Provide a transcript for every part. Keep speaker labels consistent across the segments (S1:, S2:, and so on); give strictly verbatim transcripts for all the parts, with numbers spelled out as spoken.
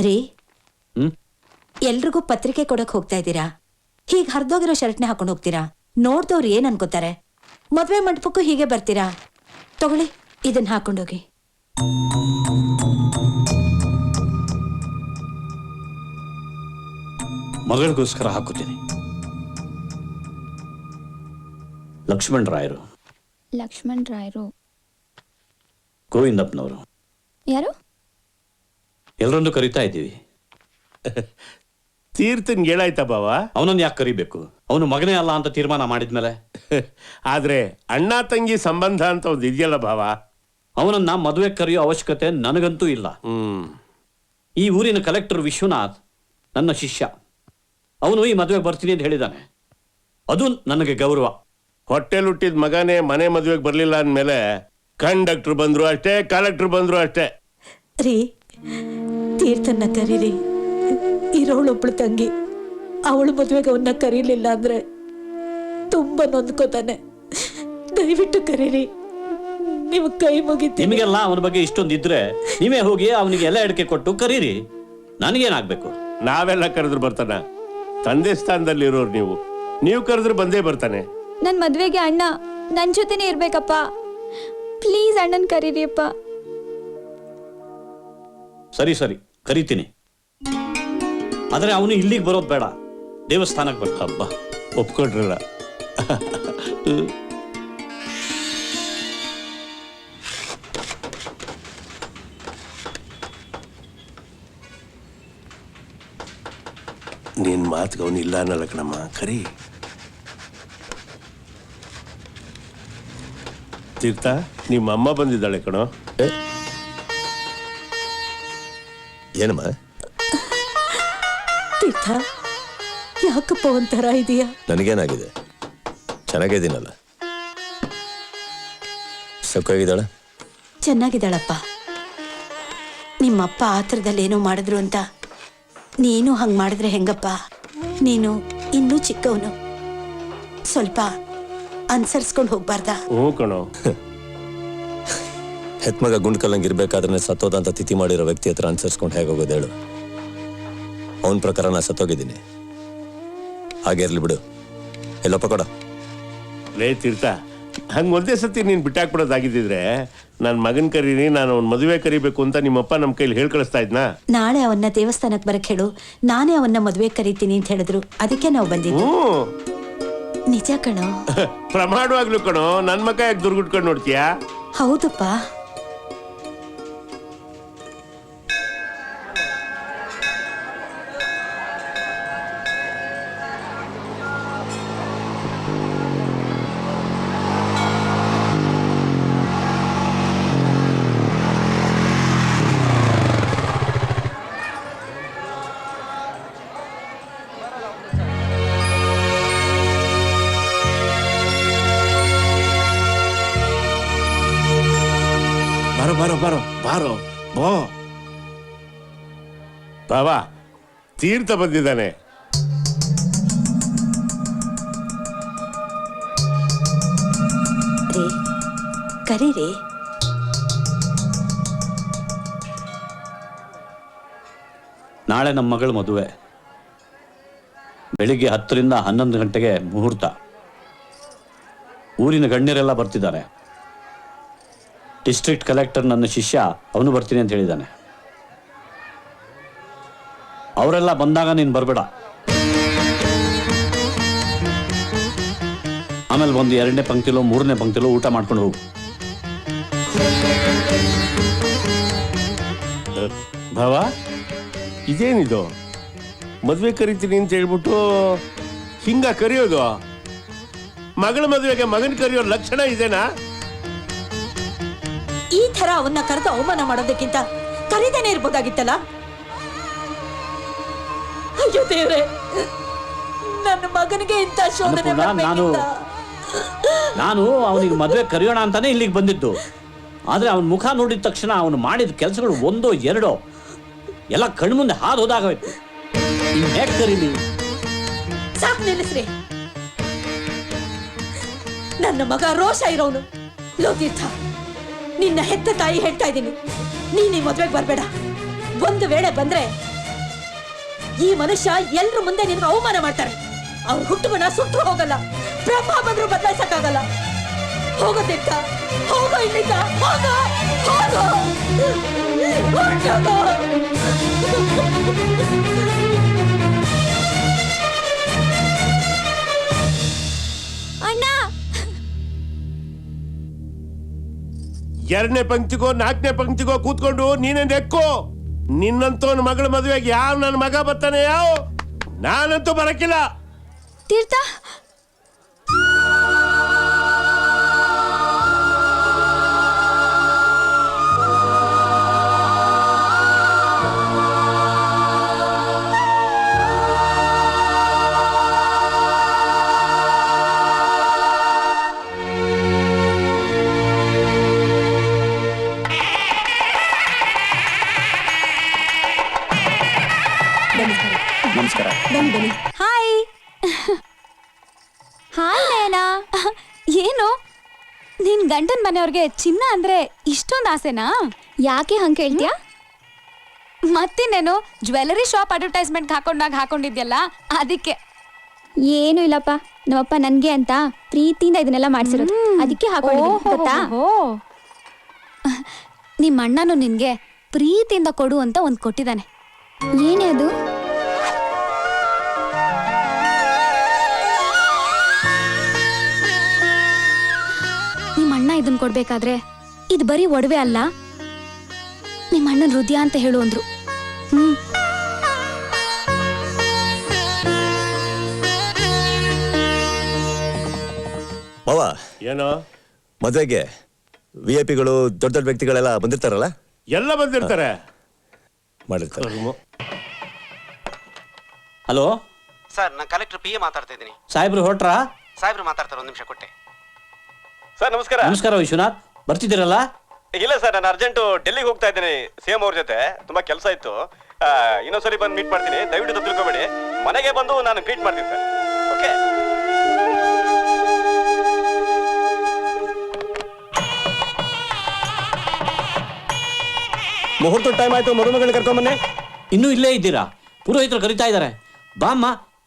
S1: ರೀ
S2: ಹ್ಮ್
S1: ಎಲ್ರಿಗೂ ಪತ್ರಿಕೆ ಕೊಡಕ್ ಹೋಗ್ತಾ ಇದ್ದೀರಾ, ಹೀಗೆ ಹರಿದೋಗಿರೋ ಶರ್ಟ್ನೇ ಹಾಕೊಂಡು ಹೋಗ್ತೀರಾ? ನೋಡ್ದವ್ರು ಏನ್ ಅನ್ಕೋತಾರೆ? ಮದ್ವೆ ಮಂಟಪಕ್ಕೂ ಹೀಗೆ ಬರ್ತೀರಾ? ತಗೊಳ್ಳಿ, ಇದನ್ನ ಹಾಕೊಂಡೋಗಿ.
S2: ಮಗಳಿಗೋಸ್ಕರ ಹಾಕೋತೀನಿ. ಲಕ್ಷ್ಮಣ್ ರಾಯರು.
S3: ಲಕ್ಷ್ಮಣ್ ರಾಯರು
S2: ಗೋವಿಂದಪ್ಪನವರು.
S3: ಯಾರು?
S2: ಎಲ್ಲರನ್ನೂ ಕರಿತಾ ಇದ್ದೀವಿ.
S4: ತೀರ್ಥನ್ ಹೇಳಾಯ್ತಾ ಬಾವ?
S2: ಅವನನ್ನು ಯಾಕೆ ಕರಿಬೇಕು? ಅವನು ಮಗನೇ ಅಲ್ಲ ಅಂತ ತೀರ್ಮಾನ ಮಾಡಿದ್ಮೇಲೆ.
S4: ಆದ್ರೆ ಅಣ್ಣ ತಂಗಿ ಸಂಬಂಧ ಅಂತ ಒಂದು ಇದೆಯಲ್ಲ ಭಾವ,
S2: ಅವನನ್ನ ಮದುವೆ ಕರೆಯೋ ಅವಶ್ಯಕತೆ ನನಗಂತೂ ಇಲ್ಲ.
S4: ಹ್ಮ್
S2: ಈ ಊರಿನ ಕಲೆಕ್ಟರ್ ವಿಶ್ವನಾಥ್ ನನ್ನ ಶಿಷ್ಯ. ಅವನು ಈ ಮದುವೆಗೆ ಬರ್ತೀನಿ ಅಂತ ಹೇಳಿದ್ದಾನೆ. ಅದು ನನಗೆ ಗೌರವ.
S4: ಹೊಟ್ಟೆಲ್ ಹುಟ್ಟಿದ ಮಗನೇ ಮನೆ ಮದುವೆಗೆ ಬರ್ಲಿಲ್ಲ ಅಂದ್ಮೇಲೆ ಕಂಡಕ್ಟರ್ ಬಂದ್ರು ಅಷ್ಟೇ, ಕಲೆಕ್ಟರ್ ಬಂದ್ರು ಅಷ್ಟೇ.
S1: ರೀ, ತೀರ್ಥನ್ನ ಕರೀರಿ. ಇರೋಳೊಬ್ಳು ತಂಗಿ, ಅವಳು ಮದುವೆಗೆ ಅವನ್ನ ಕರೀಲಿಲ್ಲ ಅಂದ್ರೆ ತುಂಬಾ ನೊಂದ್ಕೋತಾನೆ. ದಯವಿಟ್ಟು ಕರೀರಿ, ನೀವು ಕೈ ಮುಗಿತೀನಿ.
S2: ನಿಮಗೆಲ್ಲ ಅವನ ಬಗ್ಗೆ ಇಷ್ಟೊಂದು ಇದ್ರೆ ನೀವೇ ಹೋಗಿ ಅವನಿಗೆ ಎಲ್ಲ ಅಡಿಕೆ ಕೊಟ್ಟು ಕರೀರಿ. ನನಗೇನಾಗ್ಬೇಕು?
S4: ನಾವೆಲ್ಲ ಕರೆದ್ರು ಬರ್ತಾನ? ತಂದೆ ಸ್ಥಾನದಲ್ಲಿ ಇರೋರು ನೀವು, ನೀವು ಕರೆದ್ರು ಬಂದೇ ಬರ್ತಾನೆ.
S3: ನನ್ನ ಮದ್ವೆಗೆ ಅಣ್ಣ ನನ್ನ ಜೊತೆನೇ ಇರ್ಬೇಕಪ್ಪ. ಪ್ಲೀಸ್ ಅಣ್ಣನ್ ಕರೀರಿಯಪ್ಪ.
S2: ಸರಿ ಸರಿ ಕರಿತೀನಿ. ಆದ್ರೆ ಅವನು ಇಲ್ಲಿಗೆ ಬರೋದು ಬೇಡ, ದೇವಸ್ಥಾನಕ್ಕೆ ಬರ್ತಾ.
S4: ಹಬ್ಬ ಒಪ್ಕೊಂಡ್ರಲ್ಲ. ನಿನ್ ಮಾತಿಗೆ ಅವನು ಇಲ್ಲ ಅನ್ನಲ್ಲ ಕಣಮ್ಮ, ಕರಿ. ತೀರ್ಥ, ನಿಮ್ಮ ಅಮ್ಮ ಬಂದಿದ್ದಾಳೆ ಕಣೋ.
S5: ಏನಮ್ಮ?
S1: ತೀರ್ಥ, ಯಾಕಪ್ಪ ಒಂಥರ ಇದೆಯಾ?
S5: ನನಗೇನಾಗಿದೆ? ಚೆನ್ನಾಗಿದ್ದೀನಲ್ಲ. ಸೊಕ್ಕಾಗಿದ್ದಾಳ?
S1: ಚೆನ್ನಾಗಿದ್ದಾಳಪ್ಪ. ನಿಮ್ಮಪ್ಪ ಆತರದಲ್ಲಿ ಏನೋ ಮಾಡಿದ್ರು ಅಂತ ನೀನು ಹಂಗ್ ಮಾಡಿದ್ರೆ ಹೆಂಗಪ್ಪ? ನೀನು ಇನ್ನೂ ಚಿಕ್ಕವನು, ಸ್ವಲ್ಪ ಅನ್ಸರ್ಸ್ಕೊಂಡು ಹೋಗ್ಬಾರ್ದಾ?
S4: ಹ್ಞೂ ಕಣೋ.
S5: ಹೆತ್ಮಗ ಗುಂಡ್ಕಲ್ಲಂಗೆ ಇರ್ಬೇಕಾದ್ರೆ ಸತ್ತೋದಂತ ತಿಥಿ ಮಾಡಿರೋ ವ್ಯಕ್ತಿ ಹತ್ರ ಅನ್ಸರ್ಸ್ಕೊಂಡು ಹೇಗೋಗೋದು ಹೇಳು? ಅವನ ಪ್ರಕಾರ ನಾ ಸತ್ತೋಗಿದ್ದೀನಿ. ಹಾಗೆ ಇರ್ಲಿ ಬಿಡು. ಎಲ್ಲಪ್ಪ ಕೊಡ.
S4: ಲೇ ತೀರ್ಥ, ಹಂಗೆ ಒಂದೇ ಸತಿ ನೀನು ಬಿಟ್ಟಾಕ್ಬಿಡೋದಾಗಿದ್ದಿದ್ರೆ ನನ್ನ ಮಗನ ಕರೀನಿ, ನಾನು ಅವ್ನ ಮದುವೆ ಕರಿಬೇಕು ಅಂತ ನಿಮ್ಮಪ್ಪ ನಮ್ಮ ಕೈಲಿ ಹೇಳಿ ಕಳಿಸ್ತಾ ಇದ್ನಾ?
S1: ನಾಳೆ ಅವನ್ನ ದೇವಸ್ಥಾನಕ್ಕೆ ಬರಕ್ ಹೇಳು, ನಾನೇ ಅವನ್ನ ಮದುವೆ ಕರಿತೀನಿ ಅಂತ ಹೇಳಿದ್ರು, ಅದಕ್ಕೆ ನಾವು ಬಂದಿದ್ವಿ. ನಿಜ ಕಣೋ.
S4: ಪ್ರಮಾಣವಾಗ್ಲು ಕಣೋ. ನನ್ನ ಮಗ ಯಾಕೆ ದುರ್ಗುಟ್ಕೊಂಡು ನೋಡ್ತೀಯಾ?
S1: ಹೌದಪ್ಪ.
S4: ಬಾರೋ ಬಾರೋ ಬಾರೋ ಬಾರೋ ಬೋ. ಬಾವಾ, ತೀರ್ಥ ಬಂದಿದ್ದಾನೆ.
S1: ರೀ, ಕರೀರಿ.
S2: ನಾಳೆ ನಮ್ಮ ಮಗಳ ಮದುವೆ. ಬೆಳಿಗ್ಗೆ ಹತ್ತರಿಂದ ಹನ್ನೊಂದು ಗಂಟೆಗೆ ಮುಹೂರ್ತ. ಊರಿನ ಗಣ್ಯರೆಲ್ಲ ಬರ್ತಿದ್ದಾರೆ. ಡಿಸ್ಟ್ರಿಕ್ಟ್ ಕಲೆಕ್ಟರ್ ನನ್ನ ಶಿಷ್ಯ, ಅವನು ಬರ್ತೀನಿ ಅಂತ ಹೇಳಿದ್ದಾನೆ. ಅವರೆಲ್ಲ ಬಂದಾಗ ನೀನು ಬರಬೇಡ. ಆಮೇಲೆ ಒಂದು ಎರಡನೇ ಪಂಕ್ತಿಲೋ ಮೂರನೇ ಪಂಕ್ತಿಲೋ ಊಟ ಮಾಡ್ಕೊಂಡು ಹೋಗು.
S4: ಭಾವ, ಇದೇನಿದು? ಮದುವೆ ಕರಿತೀನಿ ಅಂತ ಹೇಳ್ಬಿಟ್ಟು ಹಿಂಗ ಕರೆಯೋದು? ಮಗಳ ಮದುವೆಗೆ ಮಗನ ಕರೆಯೋ ಲಕ್ಷಣ ಇದೇನಾ?
S1: ಈ ತರ ಅವನ್ನ ಕರೆದು ಅವಮಾನ ಮಾಡೋದಕ್ಕಿಂತ ಕರೀದೇನೆ ಇರ್ಬೋದಾಗಿತ್ತಲ್ಲ. ಅಯ್ಯೋ ದೇವ್ರೆ, ನನ್ನ ಮಗನಿಗೆ ಇಂಥ ಶೋಧನೆ
S2: ನಾನು ನಾನು ಅವನಿಗೆ ಮದುವೆ ಕರೆಯೋಣ ಅಂತಾನೆ ಇಲ್ಲಿಗೆ ಬಂದಿದ್ದು. ಆದ್ರೆ ಅವನ ಮುಖ ನೋಡಿದ ತಕ್ಷಣ ಅವನು ಮಾಡಿದ ಕೆಲಸಗಳು ಒಂದೋ ಎರಡೋ ಎಲ್ಲ ಕಣ್ಮುಂದೆ ಹಾದು ಹೋದಾಗೋಯ್ತು. ಇನ್ ಹೇಗೆ ಕರೀಲಿ?
S1: ಸಾಕು, ನಿಲ್ಲಿಸ್ರಿ. ನನ್ನ ಮಗ ರೋಷ ಇರೋನು. ಲೋತೀರ್ಥ, ನಿನ್ನ ಹೆತ್ತ ತಾಯಿ ಹೇಳ್ತಾ ಇದ್ದೀನಿ, ನೀನ್ ಈ ಮದ್ವೆಗೆ ಬರ್ಬೇಡ. ಒಂದು ವೇಳೆ ಬಂದ್ರೆ ಈ ಮನುಷ್ಯ ಎಲ್ರ ಮುಂದೆ ನಿನ್ಗೆ ಅವಮಾನ ಮಾಡ್ತಾರೆ. ಅವ್ರ ಹುಟ್ಟುಬಣ ಸುಟ್ಟರು ಹೋಗಲ್ಲ, ಬ್ರಹ್ಮ ಬಂದ್ರು ಬದಲಾಯಿಸಕ್ಕಾಗಲ್ಲ. ಹೋಗೋದಿಕ್ಕ ಹೋಗೋ ಇಲ್ಲಿಗ ಹೋಗೋ ಹೋಗೋ ಹೊರ್ಟೋಗೋ.
S3: ಅಣ್ಣ
S4: ಎರಡನೇ ಪಂಕ್ತಿಗೋ ನಾಲ್ಕನೇ ಪಂಕ್ತಿಗೋ ಕೂತ್ಕೊಂಡು ನೀನೇ ನೆಕ್ಕೋ. ನಿನ್ನಂತವನ ಮಗಳ ಮದುವೆಗೆ ಯಾವ ನನ್ನ ಮಗ ಬರ್ತಾನೆ? ಯಾವ ನಾನಂತೂ ಬರಕ್ಕಿಲ್ಲ.
S3: ತೀರ್ಥ
S2: ನಮಸ್ಕಾರ.
S3: Hi hi Nayana. ಏನು ನಿನ್ ಗಂಡನ್ ಮನೆಯವ್ರಿಗೆ ಚಿನ್ನ ಅಂದ್ರೆ ಇಷ್ಟೊಂದು ಆಸೆನಾ? ಯಾಕೆ ಹಂಗೆ ಹೇಳ್ತೀಯಾ? ಮತ್ತಿನ್ನೇನು ಜ್ಯುವೆಲರಿ ಶಾಪ್ ಅಡ್ವರ್ಟೈಸ್ಮೆಂಟ್ ಹಾಕೊಂಡಾಗ ಹಾಕೊಂಡಿದ್ಯಲ್ಲ ಅದಕ್ಕೆ.
S6: ಏನು ಇಲ್ಲಪ್ಪ, ನಮ್ಮಪ್ಪ ನನ್ಗೆ ಅಂತ ಪ್ರೀತಿಯಿಂದ ಇದನ್ನೆಲ್ಲ ಮಾಡ್ಸಿರೋದು, ಅದಕ್ಕೆ ಹಾಕೊಂಡಿದ್ದೀನಿ ಗೊತ್ತಾ?
S3: ನಿಮ್ಮ ಅಣ್ಣನು ನಿನ್ಗೆ ಪ್ರೀತಿಯಿಂದ ಕೊಡು ಅಂತ ಒಂದ್ ಕೊಟ್ಟಿದ್ದಾನೆ.
S6: ಏನೇ ಅದು?
S3: ನಿಮ್ಮ ಅಣ್ಣ ಇದನ್ ಕೊಡ್ಬೇಕಾದ್ರೆ ಇದು ಬರೀ ಒಡವೆ ಅಲ್ಲ, ನಿಮ್ಮ ಅಣ್ಣನ ಹೃದಯ ಅಂತ ಹೇಳು ಅಂದ್ರು. ಹ್ಮ್
S5: ಮಾವ,
S4: ಏನೋ
S5: ಮದ್ವೆಗೆ ವಿ ಐ ಪಿಗಳು ದೊಡ್ಡ ದೊಡ್ಡ ವ್ಯಕ್ತಿಗಳೆಲ್ಲ ಬಂದಿರ್ತಾರಲ್ಲ?
S4: ಎಲ್ಲ ಬಂದಿರ್ತಾರೆ.
S5: ಮಾಡಿರ್ತಾರೆ.
S2: ಹಲೋ
S7: ಸರ್, ನಾನು ಕಲೆಕ್ಟರ್ ಪಿ ಎ ಮಾತಾಡ್ತಾ ಇದ್ದೀನಿ.
S2: ಸಾಹೇಬ್ರು ಹೊರಟ್ರಾ?
S7: ಸಾಹೇಬ್ರು ಮಾತಾಡ್ತಾರೆ, ಒಂದು ನಿಮಿಷ ಕೊಟ್ಟೆ.
S8: ಸರ್ ನಮಸ್ಕಾರ.
S2: ನಮಸ್ಕಾರ ವಿಶ್ವನಾಥ್, ಬರ್ತಿದ್ದೀರಲ್ಲ?
S8: ಇಲ್ಲ ಸರ್, ನಾನು ಅರ್ಜೆಂಟು ಡೆಲ್ಲಿಗೆ ಹೋಗ್ತಾ ಇದ್ದೀನಿ ಸಿ ಎಂ ಅವ್ರ ಜೊತೆ. ತುಂಬಾ ಕೆಲಸ ಇತ್ತು. ಆ, ಇನ್ನೊಂದ್ಸರಿ ಬಂದು ಮೀಟ್ ಮಾಡ್ತೀನಿ, ದಯವಿಟ್ಟು ತಿಳ್ಕೊಬೇಡಿ. ಮನೆಗೆ ಬಂದು ನಾನು ಗ್ರೀಟ್ ಮಾಡ್ತೀನಿ ಸರ್. ಓಕೆ.
S5: ಮುಹೂರ್ತ ಟೈಮ್ ಆಯ್ತು, ಮದುಮಗಳನ್ನ ಕರ್ಕೊಂಬನ್ನಿ.
S2: ಇನ್ನೂ ಇಲ್ಲೇ ಇದ್ದೀರಾ? ಪುರೋಹಿತರು ಕರಿತಾ ಇದ್ದಾರೆ. ಬಾಮ್ಮ.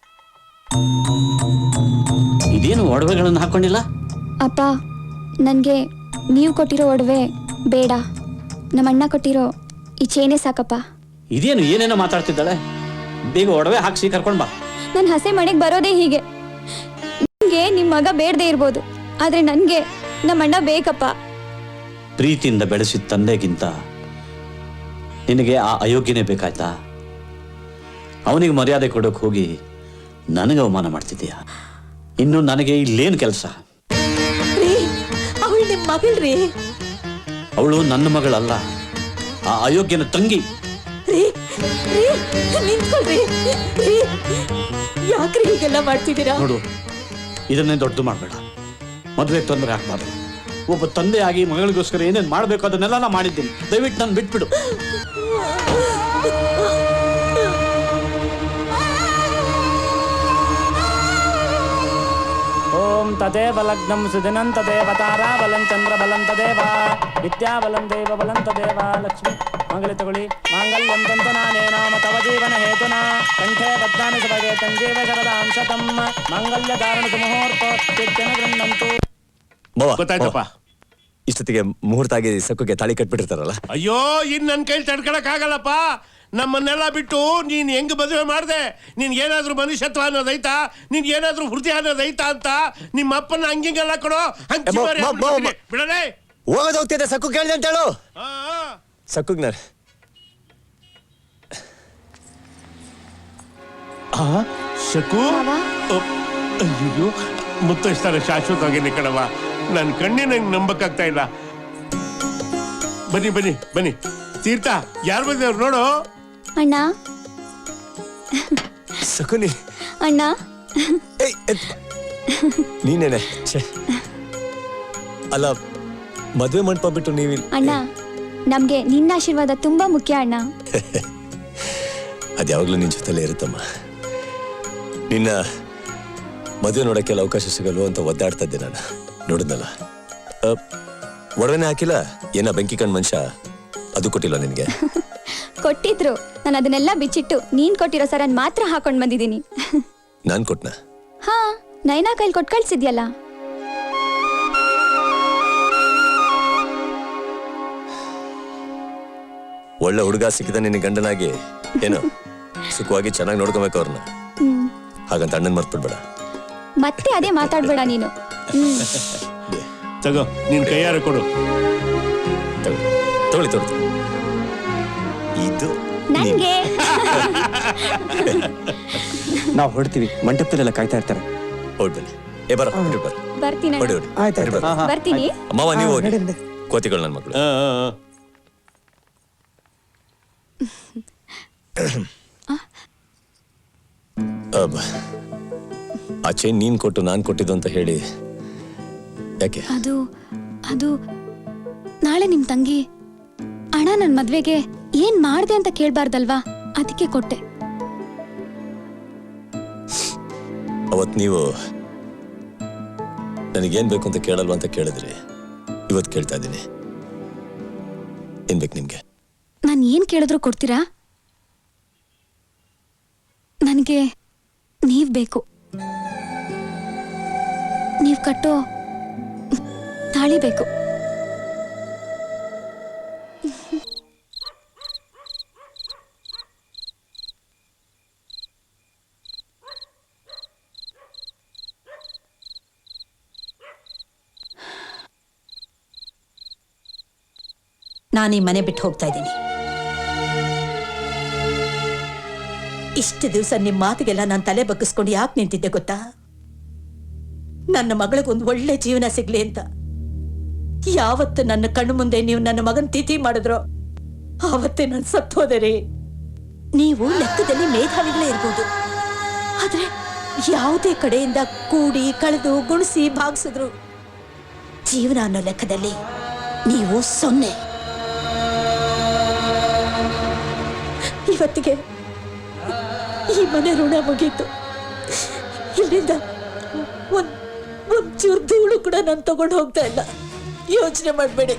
S2: ಇದೇನು ಒಡವೆಗಳನ್ನು ಹಾಕೊಂಡಿಲ್ಲ?
S6: ಅಪ್ಪ, ನನಗೆ ನೀವು ಕೊಟ್ಟಿರೋ ಒಡವೆ ಬೇಡ, ನಮ್ಮ ಅಣ್ಣ ಕೊಟ್ಟಿರೋ ಈ ಚೈನೇ ಸಾಕಪ್ಪ.
S2: ಇದೇನು ಏನೇನೋ ಮಾತಾಡ್ತಿದ್ದಾಳೆ? ಬೇಗ ಒಡವೆ ಹಾಕ್ಸಿ ಕರ್ಕೊಂಡ್ ಬಾ.
S6: ನನ್ನ ಹಸೆ ಮನೆಗೆ ಬರೋದೇ ಹೀಗೆ. ನಿಮಗೆ ನಿಮ್ಮ ಮಗ ಬೇಡದೇ ಇರ್ಬೋದು, ಆದರೆ ನನಗೆ ನಮ್ಮ ಅಣ್ಣ ಬೇಕಪ್ಪ.
S2: ಪ್ರೀತಿಯಿಂದ ಬೆಳೆಸಿದ ತಂದೆಗಿಂತ ನಿನಗೆ ಆ ಅಯೋಗ್ಯನೇ ಬೇಕಾಯ್ತಾ? ಅವನಿಗೆ ಮರ್ಯಾದೆ ಕೊಡೋಕೆ ಹೋಗಿ ನನಗೆ ಅವಮಾನ ಮಾಡ್ತಿದ್ದೀಯ. ಇನ್ನು ನನಗೆ ಇಲ್ಲೇನು ಕೆಲಸ?
S1: ಅವಳು ನಿಮ್ಮ ಮಗಳ್ರಿ.
S2: ಅವಳು ನನ್ನ ಮಗಳಲ್ಲ, ಆ ಅಯೋಗ್ಯನ ತಂಗಿ.
S1: ರೀ ರೀ ನಿಂತ್ಕೊಳ್ರಿ. ರೀ ಯಾಕ್ರಿ ಹೀಗೆಲ್ಲ ಮಾಡ್ತಿದ್ದೀರಾ?
S2: ನೋಡು, ಇದನ್ನೇ ದೊಡ್ಡದು ಮಾಡಬೇಡ. ಮದುವೆಗೆ ತೊಂದರೆ ಆಗ್ಬಾರ್ದು. ಒಬ್ಬ ತಂದೆಯಾಗಿ ಮಗಳಿಗೋಸ್ಕರ ಏನೇನು ಮಾಡಬೇಕು ಅದನ್ನೆಲ್ಲ ನಾ ಮಾಡಿದ್ದೀನಿ. ದಯವಿಟ್ಟು ನಾನು ಬಿಟ್ಬಿಡು.
S9: ಓಂ ತದೇವ ಲಗ್ನಂ ಸುದಿನಂ ತದೇವ ತಾರಾ ಬಲಂ ಚಂದ್ರ ಬಲಂ ತದೇವ ವಿದ್ಯಾ ಬಲಂ ದೇವ ಬಲಂ ತದೇವ ಲಕ್ಷ್ಮಿ ಮಂಗಲ ತಗೊಳ್ಳಿ. ಮಾಂಗಲ್ಯಂ ತಂತುನಾನೇನ ಮತವ ಜೀವನ ಹೇತುನಾ ಕಂಠೆ ಬದ್ಧಾನಿ ಸಭಗೆ ತಂಜೀವ ಶರದಾಂ ಶತಂ ಮಾಂಗಲ್ಯ ಧಾರಣದ ಮುಹೂರ್ತ ಚಿತ್ತನ ಗೃಹಂತು.
S5: ಮಾವ,
S4: ಗೊತ್ತಾಯ್ತಪ್ಪ.
S5: ಇಷ್ಟೊತ್ತಿಗೆ ಮುಹೂರ್ತ ಆಗಿ ಸಕ್ಕುಗೆ ತಾಳಿ ಕಟ್ಬಿಟ್ಟಿರ್ತಾರಲ್ಲ?
S4: ಅಯ್ಯೋ, ಇನ್ ನನ್ನ ಕೈಲಿ ತಡ್ಕೊಳಕ್ ಆಗಲ್ಲಪ್ಪ. ನಮ್ಮನ್ನೆಲ್ಲ ಬಿಟ್ಟು ನೀನ್ ಹೆಂಗ್ ಮದುವೆ ಮಾಡ್ದೆ? ನಿನ್ ಏನಾದ್ರೂ ಮನುಷ್ಯತ್ವ ಅನ್ನೋದೈತಾ? ನಿನ್ ಏನಾದ್ರೂ ಹೃದಯ ಅನ್ನೋದೈತಾ ಅಂತ ನಿಮ್ಮ ಅಪ್ಪನ ಹಂಗಿಂಗೆಲ್ಲ ಕೊಡೋ ಹಂಚಿ ಬಿಡಲೇ.
S5: ಹೋಗೋದು ಹೋಗ್ತಿದ್ದೆ, ಸಕ್ಕು ಕೇಳಿದೆ ಅಂತ ಹೇಳು. ಸಕ್ಕುಗ್ ನಾನು
S4: ಶಕು ಅಯ್ಯೋ ಮುತ್ತೈಸ್ತಾರೆ ಶಾಶ್ವತವಾಗಿ ನಿಕ್ಕಡವ. ನನ್ನ ಕಣ್ಣಿನ ನಂಬಕ್ಕಾಗ್ತಾ ಇಲ್ಲ. ಬನ್ನಿ ಬನ್ನಿ ಬನ್ನಿ. ತೀರ್ಥ, ಯಾರು ಬಂದವ್ರು ನೋಡು.
S6: ಅಣ್ಣ
S5: ಸಕುನಿ.
S6: ಅಣ್ಣ
S5: ಏಯ್, ಎತ್. ನೀನೇನೆ. ಛೆ. ಅಲ್ಲ, ಮದುವೆ ಮಂಟಪ ಬಿಟ್ಟು ನೀವಿಲ್.
S6: ಅಣ್ಣ, ನಮ್ಗೆ ನಿನ್ನ ಆಶೀರ್ವಾದ ತುಂಬಾ ಮುಖ್ಯ ಅಣ್ಣ.
S5: ಅದ್ಯಾವಾಗ್ಲೂ ನಿನ್ ಜೊತೆಲೇ ಇರುತ್ತಮ್ಮ. ನಿನ್ನ ಮದುವೆ ನೋಡಕ್ಕೆಲ್ಲ ಅವಕಾಶ ಸಿಗಲ್ವೋ ಅಂತ ಒದ್ದಾಡ್ತಾ ಇದ್ದೆ ನಾನು. ನೋಡಿದ್ನಲ್ಲ, ಒಡವೆನೇ ಹಾಕಿಲ್ಲ. ಏನ ಬೆಂಕಿ ಕಣ್ ಮನುಷ್ಯ, ಅದು ಕೊಟ್ಟಿಲ್ಲ ನಿನ್ಗೆ?
S6: ಕೊಟ್ಟಿದ್ರು, ನಾನು ಅದನ್ನೆಲ್ಲ ಬಿಚ್ಚಿಟ್ಟು ನೀನ್ ಕೊಟ್ಟಿರೋ ಸರನ್ ಮಾತ್ರ ಹಾಕೊಂಡ್ ಬಂದಿದ್ದೀನಿ.
S5: ನಾನ್ ಕೊಟ್ನಾ?
S6: ಹಾ, ನೈನಾ ಕೈಲಿ ಕೊಟ್ಟು ಕಳ್ಸಿದ್ಯಲ್ಲ.
S5: ಒಳ್ಳೆ ಹುಡುಗ ಸಿಕ್ಕಿದ ನಿನ್ನ ಗಂಡನಾಗಿ ಏನು ಸುಖವಾಗಿ ಚೆನ್ನಾಗಿ ನೋಡ್ಕೊಬೇಕು ಅವ್ರನ್ನ.
S6: ಹ್ಮ್.
S5: ಹಾಗಂತ ಅಣ್ಣನ್ ಮರ್ತ್ಬಿಡ್ಬೇಡ.
S6: ಮತ್ತೆ ಅದೇ ಮಾತಾಡ್ಬೇಡ ನೀನು. ಹ್ಮ್.
S4: ತಗೋ, ನಿನ್ ಕೈಯಾರ ಕೊಡು.
S5: ತಗೊಳ್ಳಿ ತಗೊಳ್ಳಿ. ಇದು
S6: ನಂಗೆ
S10: ನಾವು ಹೊಡ್ತೀವಿ, ಮಂಟಪದಲ್ಲೆಲ್ಲ ಕಾಯ್ತಾ ಇರ್ತಾರೆ.
S5: ಹೊಡ್ಬನ್ನಿ. ಏ ಬರ ಬರ
S6: ಬರ್ತೀನಿ
S5: ಹೊಡಿ
S6: ಅಣ್ಣ.
S5: ಹೊಡಿ
S10: ಆಯ್ತು
S5: ಹೊಡಿ, ಬರ.
S6: ಬರ್ತೀನಿ.
S5: ಅಮ್ಮವ ನೀವು ಹೋಗಿ.
S10: ನಡಿ, ನಡಿ.
S5: ಕೋತಿಗಳು ನನ್ನ ಮಕ್ಕಳು.
S4: ಆ, ಆ, ಆ.
S5: ಅಬ್ಬ. ಆ ಚೈನ್ ನೀನ್ ಕೊಟ್ಟು ನಾನ್ ಕೊಟ್ಟಿದ್ದು ಅಂತ ಹೇಳಿ ಯಾಕೆ?
S3: ಅದು ಅದು ನಾಳೆ ನಿಮ್ ತಂಗಿ ಅಣ್ಣ ನನ್ ಮದ್ವೆಗೆ ಏನ್ ಮಾಡ್ದೆ ಅಂತ ಕೇಳ್ಬಾರ್ದಲ್ವಾ, ಅದಕ್ಕೆ ಕೊಟ್ಟೆ.
S5: ಅವತ್ ನೀವು ನನಗೇನ್ ಬೇಕು ಅಂತ ಕೇಳಲ್ವಾ ಅಂತ ಕೇಳಿದ್ರಿ. ಇವತ್ತು ಕೇಳ್ತಾ ಇದ್ದೀನಿ, ಏನ್ ಬೇಕು ನಿಮ್ಗೆ?
S3: ನಾನು ಏನ್ ಕೇಳಿದ್ರು ಕೊಡ್ತೀರಾ? ನನಗೆ ನೀವ್ ಬೇಕು. ನೀವ್ ಕಟ್ಟೋ ತಾಳಿ ಬೇಕು.
S1: ನಾನು ಈ ಮನೆ ಬಿಟ್ಟು ಹೋಗ್ತಾ ಇದ್ದೀನಿ. ಇಷ್ಟು ದಿವಸ ನಿಮ್ಮ ಮಾತಿಗೆಲ್ಲ ನಾನು ತಲೆ ಬಗ್ಗಿಸ್ಕೊಂಡು ಯಾಕೆ ನಿಂತಿದ್ದೆ ಗೊತ್ತಾ? ನನ್ನ ಮಗಳಿಗೊಂದು ಒಳ್ಳೆ ಜೀವನ ಸಿಗ್ಲಿ ಅಂತ. ಯಾವತ್ತು ನನ್ನ ಕಣ್ಣು ಮುಂದೆ ನೀವು ನನ್ನ ಮಗನ ತಿಥಿ ಮಾಡಿದ್ರೋ ಆವತ್ತೇ ನಾನು ಸತ್ತೋದೆ ರೀ. ನೀವು ಲೆಕ್ಕದಲ್ಲಿ ಮೇಧಾವಿಗಳೇ ಇರ್ಬೋದು, ಆದ್ರೆ ಯಾವುದೇ ಕಡೆಯಿಂದ ಕೂಡಿ ಕಳೆದು ಗುಣಿಸಿ ಭಾಗಿಸಿದ್ರು ಜೀವನ ಅನ್ನೋ ಲೆಕ್ಕದಲ್ಲಿ ನೀವು ಸೊನ್ನೆ. ಇವತ್ತಿಗೆ ಈ ಮನೆ ಋಣ ಮುಗೀತು. ಇಲ್ಲಿಂದ ಒಂದ್ ಒಂಚೂರು ಧೂಳು ಕೂಡ ನಾನು ತಗೊಂಡು ಹೋಗ್ತಾ ಇಲ್ಲ. ಯೋಚನೆ ಮಾಡಬೇಡಿ.